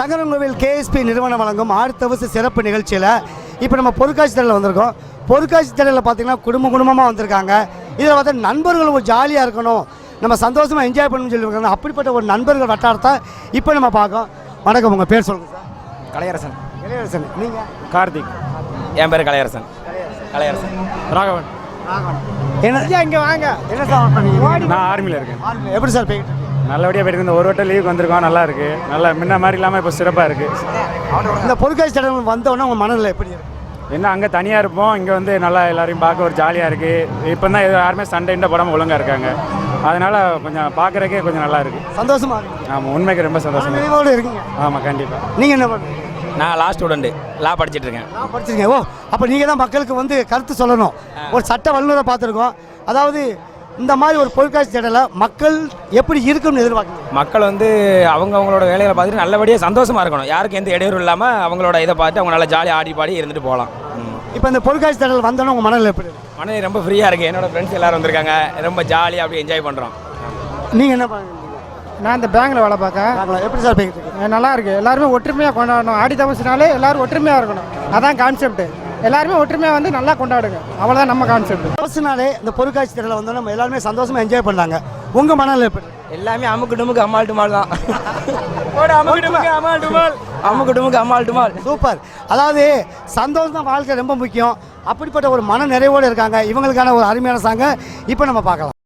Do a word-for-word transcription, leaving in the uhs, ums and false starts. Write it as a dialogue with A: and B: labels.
A: Sankarankovil KSP நிறுவனம் வழங்கும் ஆர்த்தவச சிறப்பு நிகழ்ச்சியில் இப்போ நம்ம பொருட்காட்சி திடலில் வந்திருக்கோம். பொருட்காட்சி திடலில் பார்த்தீங்கன்னா குடும்ப குடும்பமாக வந்திருக்காங்க. இதில் பார்த்தா நண்பர்கள் ஒரு ஜாலியாக இருக்கணும், நம்ம சந்தோஷமாக என்ஜாய் பண்ணணும்னு சொல்லியிருக்காங்க. அப்படிப்பட்ட ஒரு நண்பர்கள் வட்டாரத்தை இப்போ நம்ம பார்க்கோம். வணக்கம், உங்கள் பேர் சொல்லுங்கள் சார்.
B: கலையரசன்.
A: கலையரசன். நீங்கள்?
B: கார்த்திக். என் பேர் கலையரசன். கலையரசன். ராகவன்.
A: ராகவன். என்ன இங்கே வாங்க. என்ன சார் பண்ணீங்க?
B: நான் ஆர்மியில் இருக்கேன்.
A: ஆர்மியில் எப்படி சார் போயிட்டு?
B: நல்லபடியாக போயிட்டு இந்த ஒரு வட்டம் லீவுக்கு வந்திருக்கோம். நல்லா இருக்கு, நல்லா முன்ன மாதிரி இல்லாமல் இப்போ சிறப்பாக இருக்கு.
A: இந்த பொருட்காட்சி திடல் வந்தோடனே உங்கள் மனநிலை எப்படி இருக்கு?
B: என்ன அங்கே தனியாக இருப்போம், இங்கே வந்து நல்லா எல்லாரையும் பார்க்க ஒரு ஜாலியாக இருக்குது. இப்போ தான் யாருமே சண்டைண்ட போடாமல் ஒழுங்காக இருக்காங்க. அதனால் கொஞ்சம் பார்க்குறக்கே கொஞ்சம் நல்லா இருக்குது.
A: சந்தோஷமாக இருக்குது.
B: ஆமாம், உண்மைக்கு ரொம்ப சந்தோஷமாக
A: நினைவோடு இருக்கீங்க.
B: ஆமாம், கண்டிப்பாக.
A: நீங்கள் என்ன பண்ணுறீங்க?
C: நான் லாஸ்ட் ஸ்டூடெண்ட், லா படிச்சுட்டு இருக்கேன்.
A: நான் படிச்சிருக்கேன். ஓ, அப்போ நீங்கள் தான் மக்களுக்கு வந்து கருத்து சொல்லணும். ஒரு சட்ட வல்லுநரை பார்த்துருக்கோம். அதாவது இந்த மாதிரி ஒரு பொருட்காட்சி திடலை மக்கள் எப்படி இருக்குன்னு எதிர்பார்க்குறீங்க?
C: மக்கள் வந்து அவங்க அவங்களோட வேலைகளை பார்த்துட்டு நல்லபடியாக சந்தோஷமாக இருக்கணும். யாருக்கும் எந்த இடையூறு இல்லாமல் அவங்களோட இதை பார்த்து அவங்க நல்லா ஜாலியாக ஆடி பாடி இருந்துட்டு போகலாம்.
A: இப்போ இந்த பொருட்காட்சி திடல் வந்தோன்னே உங்கள் மனநிலை எப்படி இருக்கு?
C: மனநிலை ரொம்ப ஃப்ரீயாக இருக்குது. என்னோட ஃப்ரெண்ட்ஸ் எல்லோரும் வந்திருக்காங்க, ரொம்ப ஜாலியாக அப்படி என்ஜாய் பண்ணுறோம்.
A: நீங்கள் என்ன பண்ணுறீங்க?
D: நான் இந்த பேங்கில் வேலை பார்க்கேன்.
A: எப்படி சார் போய்கிட்டு இருக்கு?
D: நல்லா இருக்கு. எல்லாருமே ஒற்றுமையாக கொண்டாடணும். ஆடி தபசுனாலே எல்லாரும் ஒற்றுமையாக இருக்கணும். அதான் கான்செப்ட். எல்லாருமே ஒற்றுமையாக வந்து நல்லா கொண்டாடுங்க. அவ்வளோதான் நம்ம கான்செப்ட்.
A: தபசுனாலே இந்த பொருட்காட்சி திடலை வந்தோன்னா நம்ம எல்லாருமே சந்தோஷமாக என்ஜாய் பண்ணாங்க. உங்கள் மனநிலை எப்படி?
C: எல்லாமே அமுக்கு டுமுக்கு அம்மாள் டுமால் தான். அமுக்கு டுமுக்கு அம்மாள் டுமால், அமுக்கு டுமுக்கு அம்மாள் டுமால்.
A: சூப்பர். அதாவது சந்தோஷம் தான் வாழ்க்கை ரொம்ப முக்கியம். அப்படிப்பட்ட ஒரு மன நிறைவோடு இருக்காங்க. இவங்களுக்கான ஒரு அருமையான சாங்க இப்போ நம்ம பார்க்கலாம்.